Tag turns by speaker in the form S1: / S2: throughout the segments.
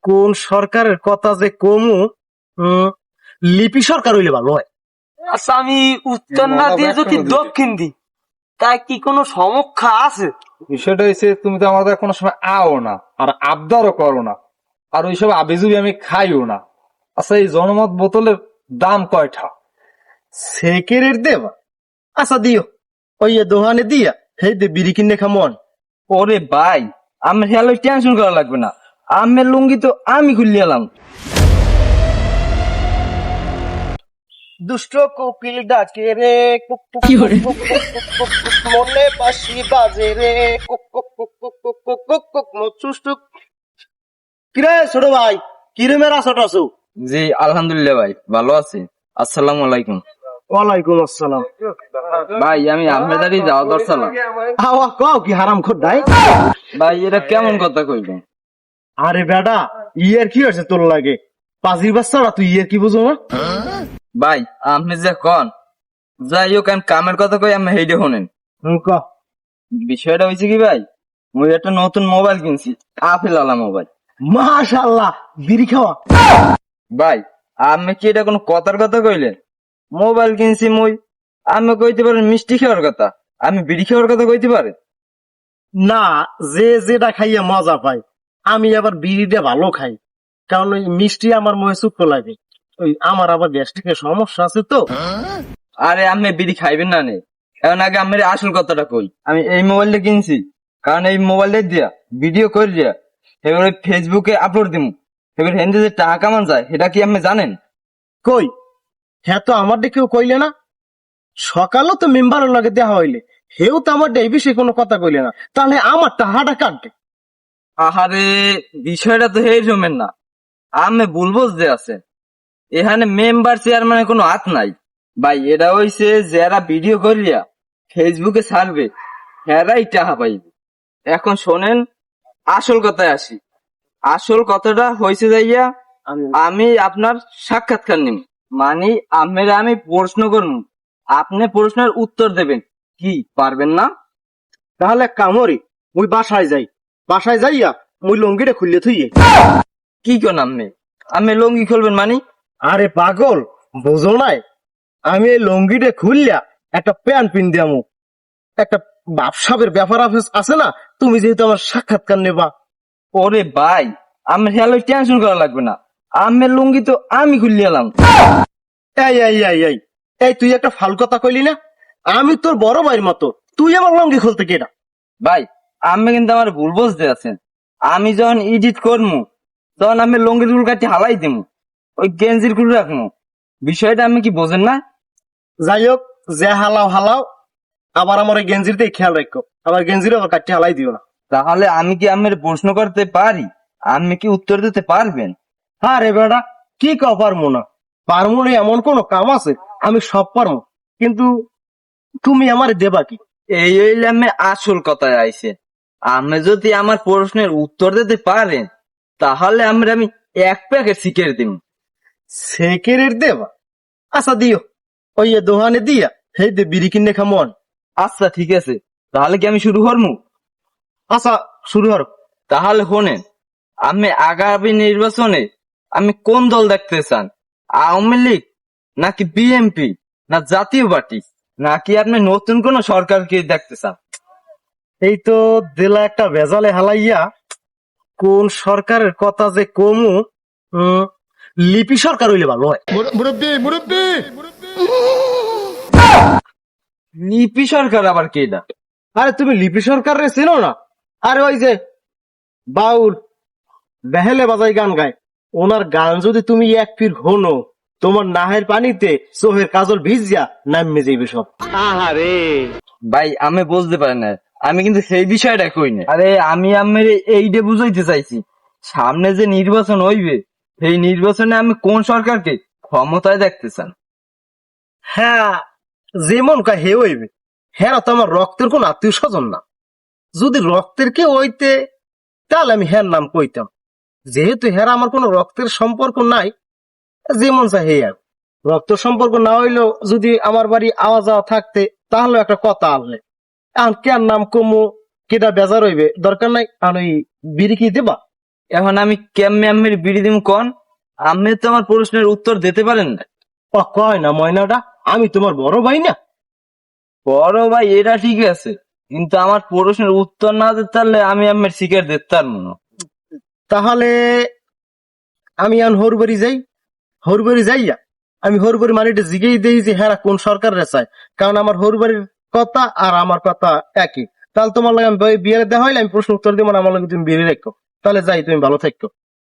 S1: কোন সরকারের কথা যে কমু, লিপি সরকার হইলে ভালো হয়।
S2: আচ্ছা, আমি উত্তর না দিয়ে যদি দক্ষিণ দিই, তা কি কোনো সমস্যা আছে?
S3: বিষয়টা হচ্ছে তুমি তো আমাদের কোনো সময় আও না, আর আবদারও করো না, আর ওইসব আবিজুবি আমি খাইও না। আচ্ছা, এই জনমত বোতলের দাম কয়টা?
S1: সেকেরের দেবা, আচ্ছা দিও, ওই দোহানে দিয়া হেই দে বিড়ি কিনে খামন।
S4: ওরে ভাই, আমার হেলো টেনশন করা লাগবে না, আমের লুঙ্গি তো আমি খুললে এলাম।
S1: দুষ্ট কোকিল ডাকে রে, কুক কুক কুক কুক কুক কুক কুক, মনে বাঁশি বাজে রে, কুক কুক কুক কুক কুক কুক কুক কুক, মচুষ্টুক। কিরে ছোট ভাই, কিরমের আছো টাছো?
S4: জি আলহামদুলিল্লাহ ভাই, ভালো আছি। আসসালামু আলাইকুম।
S1: ওয়ালাইকুম আসসালাম।
S4: ভাই আমি আহমেদারি যাওয়া দরসালাম।
S1: আওয়া কও কি হারাম খোদাই।
S4: ভাই এটা কেমন কথা কইবেন?
S1: আরে বেটা, ইয়ের কি হয়েছে তোর লাগে? পাঁচির বাচ্চারা তুই ইয়ের কি বুঝো না?
S4: ভাই আপনি যে কন, যাই হোক আমি কামের কথা কই, আমি হেইডে শোনেন।
S1: ক।
S4: বিষয়টা হয়েছে কি ভাই, মুই একটা নতুন মোবাইল কিনছি, আপেল আলা মোবাইল।
S1: মাশাআল্লাহ, বিড়ি খাওয়া।
S4: ভাই আমি কি এটা কোনো কথার কথা কইলেন? মোবাইল কিনছি মুই, আমি কইতে পারেন মিষ্টি খাওয়ার কথা, আমি বিড়ি খাওয়ার কথা কইতে পারে?
S1: না, যে যেটা খাইয়া মজা পাই, আমি আবার বিড়িটা ভালো খাই, কারণ ওই মিষ্টি আমার মুখে চুক্ত লাগে। ওই আমার আবার গ্যাস্ট্রিকের সমস্যা আছে তো।
S4: আরে আপনি বিড়ি খাইবেন না নে, এখন আগে আমার আসল কথাটা কই। আমি এই মোবাইলটা কিনছি কারণ এই মোবাইলটা দিয়া ভিডিও করে দিয়া এবার ওই ফেসবুকে আপলোড দিব, এবার হেন্দি যে টাকা কামান যায় সেটা কি আপনি জানেন?
S1: কই, হ্যাঁ তো আমার কেউ কইলে না। সকালও তো মেম্বারের লগে দেওয়া হইলে, হেও তো আমার এই বিষয়ে কোনো কথা কইলে না, তাহলে আমার টাহাটা কাটবে।
S4: আহারে, বিষয়টা তো এই জমেন না, আমি বলবো যে আছে এখানে মেম্বার চেয়ারম্যানের কোনো হাত নাই ভাই। এটা হইছে যারা ভিডিও করিয়া ফেসবুকে ছাড়বে হেরাই টাকা পাইবে। এখন শোনেন, আসল কথায় আসি। আসল কথাটা হয়েছে যাইয়া, আমি আপনার সাক্ষাৎকার নিব, মানে আপনারা আমি প্রশ্ন করব, আপনি প্রশ্নের উত্তর দেবেন, কি পারবেন না?
S1: তাহলে কামড়ি মুই বাসায় যাই, বাসায় যাইয়া মুই লঙ্গিটা খুললে থুইয়ে।
S4: কি কোন আমি লঙ্গি খুলবেন মানে?
S1: আরে পাগল, বুঝো নাই, আমি এই লঙ্গিটা খুললা একটা প্যান্ট পিন দিয়ামু। একটা ব্যবসাবের ব্যাপার আছে না, তুমি যেহেতু আমার সাক্ষাৎকার নেবা।
S4: ওরে ভাই, আমার হেলো টেনশন করা লাগবে না, আমের লুঙ্গি তো আমি খুললে এলাম।
S1: এই এই এই এই এই তুই একটা ফাল কথা কইলি না, আমি তোর বড় ভাইয়ের মতো, তুই আমার লঙ্গি খুলতে কেটা?
S4: ভাই আমি কিন্তু আমার ভুল বুঝতে আছেন, আমি যখন এডিট করবো তখন আমি লঙ্গির গুলো কাটি হালাই দিব, ওই গেঞ্জির গুলো রাখবো। বিষয়টা আমি কি বোঝেন না?
S1: যাই হোক, যে হালাও হালাও, আবার আমার ওই গেঞ্জির দিয়ে খেয়াল রাখো, আমার গেঞ্জির আবার কাটি হালাই দিও না।
S4: তাহলে আমি কি আমার প্রশ্ন করতে পারি, আমি কি উত্তর দিতে পারবেন?
S1: হ্যাঁ রে বেটা, কি কাও পারবো না? পারবো না এমন কোন কাম আছে? আমি সব পারবো, কিন্তু তুমি আমার দেবা কি?
S4: এই হইলে আমি আসল কথায় আইছে, আমি যদি আমার প্রশ্নের উত্তর দিতে পারেন তাহলে আমি এক প্যাকেট সিগারেট দিব।
S1: সেকেরের দেবা, আচ্ছা দিও, ওই দোহানে দিয়া হেই দে বিড়ি কিনে খামন।
S4: আচ্ছা ঠিক আছে, তাহলে কি আমি শুরু করবো?
S1: আচ্ছা শুরু হর।
S4: তাহলে শোনেন, আমি আগামী নির্বাচনে আমি কোন দল দেখতে চান? আওয়ামী লীগ নাকি বিএনপি না জাতীয় পার্টি, নাকি আপনি নতুন কোন সরকারকে দেখতে চান?
S1: এই তো দিলা একটা ভেজালে হালাইয়া, কোন সরকারের কথা যে কমু, লিপি সরকার হইলে ভালো হয়।
S4: লিপি সরকার আবার কেডা?
S1: আরে তুমি লিপি সরকার চেনো না? আরে ওই যে বাউল বেহেলে বাজাই গান গায়, ওনার গান যদি তুমি এক ফির হনো, তোমার নাহের পানিতে চোহের কাজল ভিজিয়া নামে যাইবে সব। আহারে
S4: ভাই আমি বুঝতে পারি না, আমি কিন্তু সেই বিষয়টা কই না। আরে আমি আমার এইটা বুঝাইতে চাইছি, সামনে যে নির্বাচন হইবে সেই নির্বাচনে আমি কোন সরকারকে ক্ষমতায় দেখতে চান?
S1: হ্যাঁ, যেমন কয় হে হইবে, হ্যাঁ তো আমার রক্তের কোন আত্মীয় স্বজন না। যদি রক্তের কে হইতে, তাহলে আমি হ্যার নাম কইতাম। যেহেতু হ্যাঁ আমার কোনো রক্তের সম্পর্ক নাই, যেমন চাই হে আর। রক্ত সম্পর্ক না হইলেও যদি আমার বাড়ি আওয়া যাওয়া থাকতে, তাহলে একটা কথা আসলে। এখন কেন নাম কমু, কেটা বেজার হইবে, দরকার নাই। আর ওই বিড়ি কি দেবা?
S4: এখন আমি কেমনে আম্মের বিড়ি দিম কোন? আম্মে তো আমার প্রশ্নের উত্তর দিতে পারেন না।
S1: ও কয় না ময়নাটা, আমি তোমার বড় ভাই না?
S4: বড় ভাই এটা ঠিক আছে, কিন্তু আমার প্রশ্নের উত্তর না দিতে পারলে আমি আম্মের শিকার দিতে পারবো না।
S1: তাহলে আমি এখন হরবাড়ি যাই, হরবাড়ি যাইয়া আমি হরবাড়ি মানিটা জিগেই দেই যে হ্যাঁ কোন সরকারের চাই, কারণ আমার হরবাড়ির কথা আর আমার কথা একই। তাহলে তোমার লাগে আমি বিয়ে দেওয়া হইলে আমি প্রশ্ন উত্তর দিব না, আমার লাগে তুমি বিয়ে রেখো। তাহলে যাই, তুমি ভালো থাকো।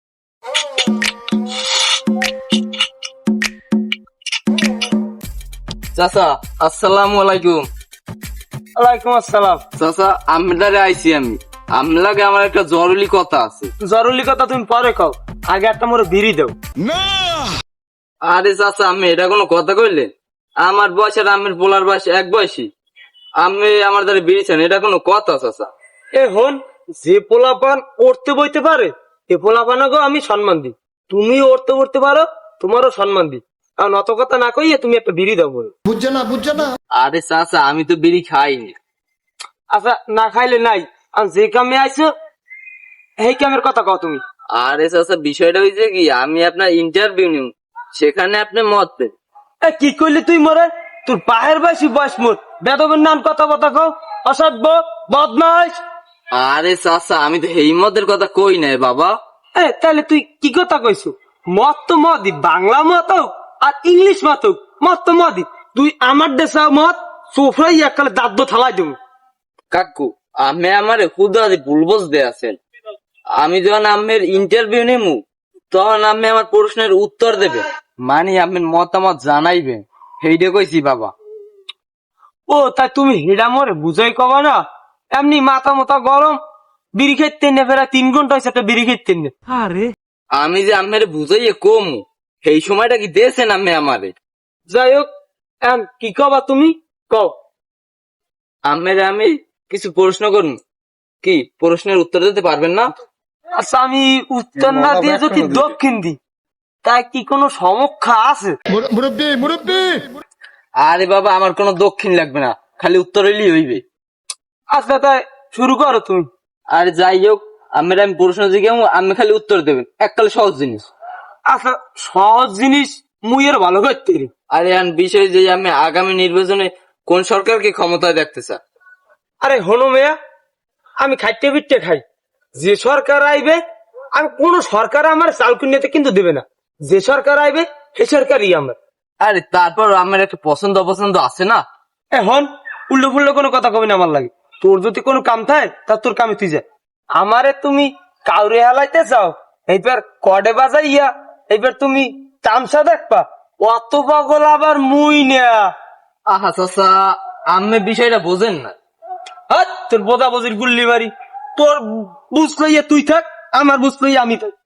S4: চাচা আসসালামু আলাইকুম।
S2: ওয়ালাইকুম আসসালাম।
S4: চাচা আমদারে আইছি আমি, আমলাগে আমার একটা জরুরি কথা আছে।
S2: জরুরি কথা তুমি পরে কও, আগে একটা মোরে বিড়ি দাও।
S4: আরে চাচা আমি এটা কোনো কথা কইলেন? আমার বয়স আর আমের পোলার বয়স এক বয়সী, আমি আমার দ্বারা বেরিয়েছেন, এটা কোনো কথা চাচা?
S2: এখন যে পোলাপান উঠতে বইতে পারে এ পোলাপানকেও আমি সম্মান দিই। তুমি উঠতে উঠতে পারো, তোমারও সম্মান দিই। কারণ অত কথা না কইয়ে তুমি একটা বিড়ি দাও বলে।
S4: আরে চাচা আমি তো বিড়ি খাইনি।
S2: আচ্ছা না খাইলে নাই, আর যে কামে আইছো এই কামের কথা কও তুমি।
S4: আরে চাচা বিষয়টা হয়েছে কি, আমি আপনার ইন্টারভিউ নিব, সেখানে আপনি মত দেন।
S2: এ কি করলি তুই মরে? তোর বাহের বয়সী বয়স মোর, বেদবের নাম কথা কথা কও, অসভ্য বদমাস।
S4: আরে চাচা আমি তো এই মদের কথা কই নাই বাবা।
S2: তাহলে তুই কি কথা কইছো? মত তো মদি, বাংলা মত হোক আর ইংলিশ মত হোক, মত তো মদি। তুই আমার দেশা মত সোফরাই এককালে দাঁত থালাই দেবো।
S4: কাকু আমি আমার হুদা ভুল বুঝতে আছেন। আমি যখন আমের ইন্টারভিউ নেমু তখন আমি আমার প্রশ্নের উত্তর দেবে, মানে আমের মতামত জানাইবে, সেইটা কইছি বাবা।
S2: ও তাই তুমি হেডা মরে বুঝাই কবা না? এমনি মাথা মাথা গরম, বিড়ি খেতে নে ফেরা 3 ঘন্টা হয়েছে একটা বিড়ি খেতে নে।
S4: আমি যে আমের বুঝাইয়ে কমু সেই সময়টা কি দিয়েছেন আমি আমারে?
S2: যাই হোক কি কবা তুমি কও।
S4: আমের আমি কিছু প্রশ্ন করুন, কি প্রশ্নের উত্তর দিতে পারবেন না?
S2: আচ্ছা আমি উত্তর না দিয়ে যদি দক্ষিণ দিই তাই কি কোনো সমস্যা আছে?
S4: আরে বাবা আমার কোনো দক্ষিণ লাগবে না, খালি উত্তর হইলেই হইবে।
S2: আচ্ছা তাই শুরু করো তুমি।
S4: আর যাই হোক আমের আমি প্রশ্ন জিজ্ঞাসা আমি খালি উত্তর দেবেন, এককালে সহজ জিনিস।
S2: আচ্ছা সহজ জিনিস মুই এর ভালো করতে পারি।
S4: আরে আন বিষয় যে আমি আগামী নির্বাচনে কোন সরকারকে ক্ষমতায় দেখতে চাই।
S2: আরে হনো মেয়া, আমি খাইতে পিটতে খাই, যে সরকার আইবে আমি কোন সরকার আমার চাল কিনতে কিন্তু দেবে না, যে সরকার আইবে সে সরকারই আমার।
S4: আরে তারপর আমার একটা পছন্দ অপছন্দ আছে না?
S2: এখন উল্টো ফুল্লো কোনো কথা কবি না আমার লাগে। তোর যদি কোনো কাম থাকে তা তোর কামে তুই যা, আমারে তুমি কাউরে হালাইতে চাও এইবার কডে বাজাইয়া এইবার তুমি তামসা দেখবা, অত পাগল আবার মুই না।
S4: আহা চাচা আমি বিষয়টা বোঝেন না।
S2: হাত তোর বোদা বজির গুল্লি বাড়ি, তোর বুঝ লইয়া তুই থাক, আমার বুঝ লইয়া আমি থাক।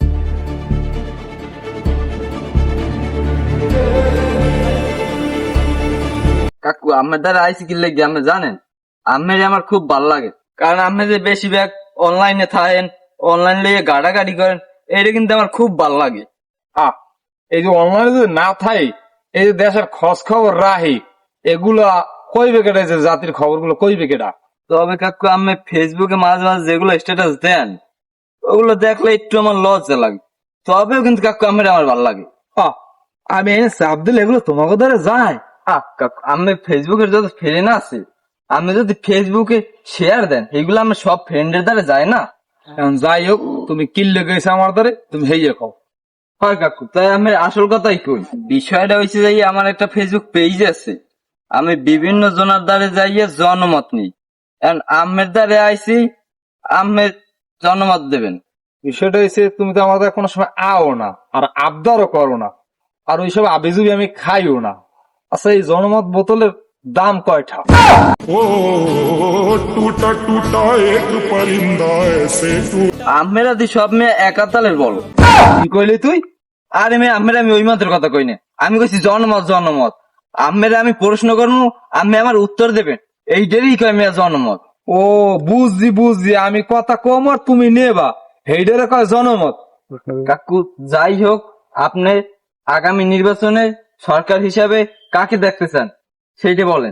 S4: কাকু আমার দ্বারা আইসি কি লেগে আপনি জানেন? আমের আমার খুব ভাল লাগে, কারণ আপনি যে বেশিরভাগ অনলাইনে থাকেন, অনলাইন লিয়ে গাড়াগাড়ি করেন, এটা কিন্তু আমার খুব ভাল লাগে।
S3: এই যে অনলাইনে যদি না থাই, এই যে দেশের খোঁজ খবর রাহি, এগুলা কইবে কেটা, যে জাতির খবর গুলো কইবে কেটা?
S4: তবে কাকু আমি ফেসবুকে মাঝে মাঝে যেগুলো স্ট্যাটাস দেন ওগুলো দেখলে একটু আমার লজ্জা লাগে, তবেও কিন্তু কাকু আমার ভাল লাগে।
S3: আমি এনে চাপ দিলে এগুলো তোমাকে ধরে যায়?
S4: কাকু আমি ফেসবুকের যত ফ্রেন্ড আছে, আমি যদি ফেসবুকে শেয়ার দেন এগুলো আমার সব ফ্রেন্ডের দ্বারা যায় না।
S3: এখন যাই হোক, তুমি কিনলে গেছে আমার ধরে, তুমি হেয়ে খাও।
S4: হয় কাকু, তাই আমি আসল কথাই কই। বিষয়টা হয়েছে যাই আমার একটা ফেসবুক পেজ আছে, আমি বিভিন্ন জনের দ্বারে যাইয়ে জনমত নিই। এখন আমের দ্বারে আইছি, আমের জনমত দেবেন।
S3: বিষয়টা হচ্ছে তুমি তো আমাদের কোনো সময় আও না, আর আবদারও করো না, আর ওইসব আবিজুবি আমি খাইও না। আচ্ছা এই জনমত বোতলের দাম কয়টা?
S5: ओ टूटा टूटा एक परिंदा ऐसे
S4: আমেরা দি সব মেয়ে একাতালের বলো।
S3: কি কইলি তুই?
S4: আরে মেয়ে আমেরা আমি ওই মতের কথা কই না, আমি কইছি জনমত জনমত। আমেরা আমি প্রশ্ন করবো, আমি আমার উত্তর দেবেন, এইটারই কয় মেয়ে জনমত।
S3: ও বুঝছি বুঝছি, আমি কথা কম আর তুমি নেবা, হেইডারে কয় জনমত।
S4: কাকু যাই হোক, আপনি আগামী নির্বাচনে সরকার হিসাবে কাকে দেখতে চান সেইটা বলেন।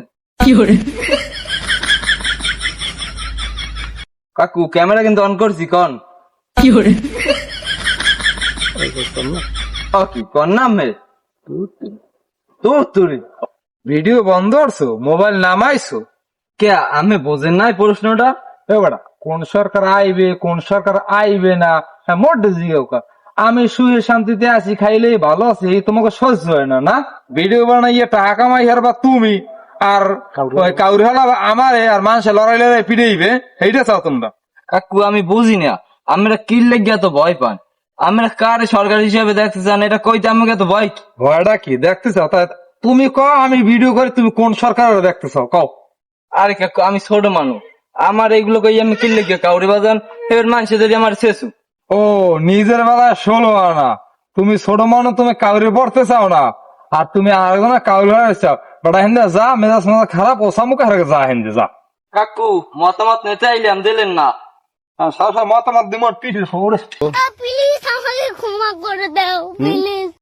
S4: কাকু ক্যামেরা কিন্তু অন করছি, কন। কি কর নাম হে
S3: তোর তুরি ভিডিও বন্ধ করছো, মোবাইল নামাইছো।
S4: কে আমি বোঝেন নাই প্রশ্নটা?
S3: বেটা কোন সরকার আইবে কোন সরকার আইবে না, হ্যাঁ মোট জিজ্ঞাসা। আমি সুখে শান্তিতে আছি, খাইলে ভালো আছি, তোমাকে সহ্য হয় না? না ভিডিও বানাইয়ে টাকা কামাই হারবা তুমি, আর ওই কাউরি হলা আমারে, আর মানুষে লড়াই লড়াই পিড়াইবে, এইটা চাও তোমরা?
S4: কাকু আমি বুঝি না, আমরা কি লেগে তো ভয় পান? আমরা কার সরকার হিসেবে দেখতে চান এটা কইতে আমাকে তো ভয় কি?
S3: ভয়টা কি দেখতে চাও? তাই তুমি কও, আমি ভিডিও করি, তুমি কোন সরকার দেখতে চাও কও?
S4: আরে কাকু আমি ছোট মানুষ, আমার এইগুলো কই আমি কি লেগে কাউরি বাজান এবার মানুষে যদি আমার শেষু।
S3: ও নিজের বেলায় 16 আনা, তুমি ছোট মানুষ, তুমি কাউরি পড়তে চাও না, আর তুমি আরেকজনে কাউরি হয়ে চাও। বেটা হিন্দে যা, মেজাজ মেজাজ খারাপ, ও সামুক হারে যা হিন্দে যা।
S4: কাকু মতামত নিতে আইলাম দিলেন না।
S3: সব মতামত দিব পিঠের খবর।
S6: প্লিজ আমাকে ক্ষমা করে দাও প্লিজ।